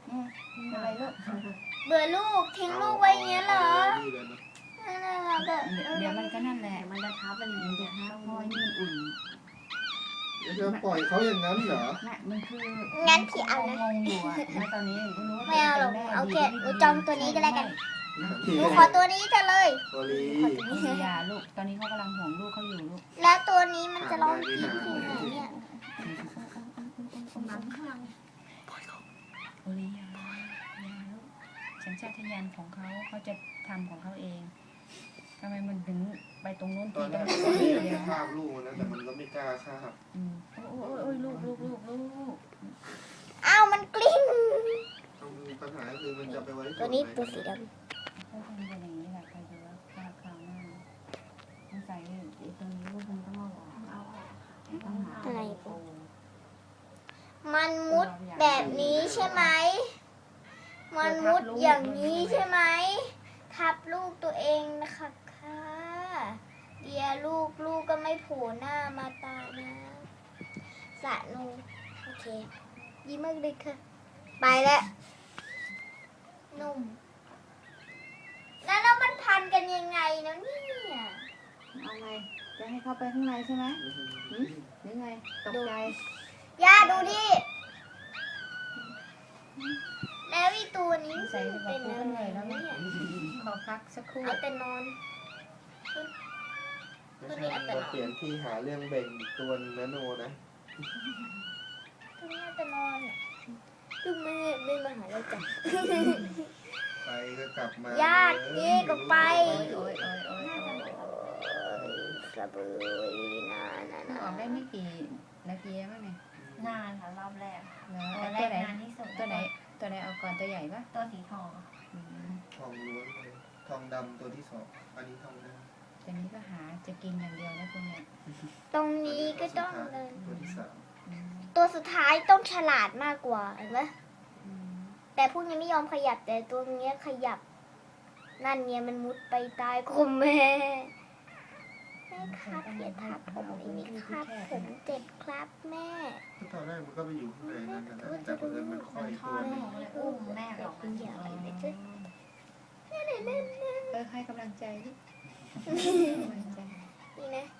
อะไรลูกเบื่อลูกทิ้งลูกไว้อย่างเงี้ยเหรอแบบเดี๋ยวมันก็นั่นแหละมันจะทับมันมันจะทับเพราะนี่มันอุ่นจะปล่อยเขาอย่างนั้นเหรอน่ะมันคืองั้นพี่เอานะงงอยู่อะณตอนนี้ไม่รู้ไม่เอาหรอกเอาแค่หนูจองตัวนี้ก็แล้วกันพี่หนูขอตัวนี้จะเลยโอลีอย่าลูกตอนนี้เขากำลังห่วงลูกเขาอยู่ลูกแล้วตัวนี้มันจะร้องกรี๊ดที่ไหนเนี่ยน้ำข้างโอลีอย่าลูกสัญชาตญาณของเขาเขาจะทำของเขาเองทำไมมันถึงไปตรงนู้นตอนแรตกรงโอลีนี้จะคาบลูกนะแต่มันก็ไม่กล้าคาบโอ้ยลูกอ้าวมันกลิ้งปัญหาคือมันจะไปไว้ตัวนี้ตัวสีดเขาทำเป็นอย่างนี้แหละใครดูว่าคราวหน้าต้องใส่ตรงนี้ลูกมันต้องเอาออกต้องหาำอะไรปุ๊บมันมุดแบบนี้ใช่ไหมมันมุดอย่างนี้ใช่ไหมทับลูกตัวเองนะคะค่ะเดียวลูกก็ไม่โผล่หน้ามาตานะสะนูโอเคยิ้มมากเลยค่ะไปแล้วนุ่มแล้วมันพันกันยังไงนะเนี่ยเอาไงจะให้เข้าไปข้างในใช่ไหมหรือไงตกใจย่าดูดิแล้วอีตัวนี้ใส่ไปเป็นกับอะกูไรเลยแล้วเนี่เนี่ย ยขอพักสักครู่เอาแต่นอนไม่ใช่เราเปลี่ยนที่หาเรื่องเบ่งอีกตัวนึงนะโนนะตัวนี้เอาแต่นอนอ่ะคือไม่มาหาเราจ้ะไปก็กลับมาญาตินี่ก็ไปโอ้ยกระเบือนานาออกได้ไม่กี่นาทีมั้งเนี่ยนานค่ะรอบแรกแล้วตัวแรตัวกไหนนานที่สุดตัวไหนเอาก่อนตัวใหญ่ปะตัวสีทองทองล้วนเลยทองดำตัวที่สองอันนี้ทองดำตัวนี้ก็หาจะกินอย่างเดียวนะคุณเนี่ยตรงนี้ก็ต้องเดินตัวที่สามตัวสุดท้ายต้องฉลาดมากกว่าเห็นไหมแต่พวกนี้ไม่ยอมขยับแต่ตัวเนี้ยขยับ นั่นเนี่ยมันมุดไปใต้คมแม่แม่ครับอย่าทับผมอีกนิดครับผมเจ็บครับแม่ตอนแรกมันก็ไปอยู่ข้างในนั่นนะแต่เพื่อนมันค่อยพ่อตัวหนึนูงเลยอุ้มแม่ออกมาอย่าจากไปเลยเลยจ้ะให้กำลังใจดินี่นะ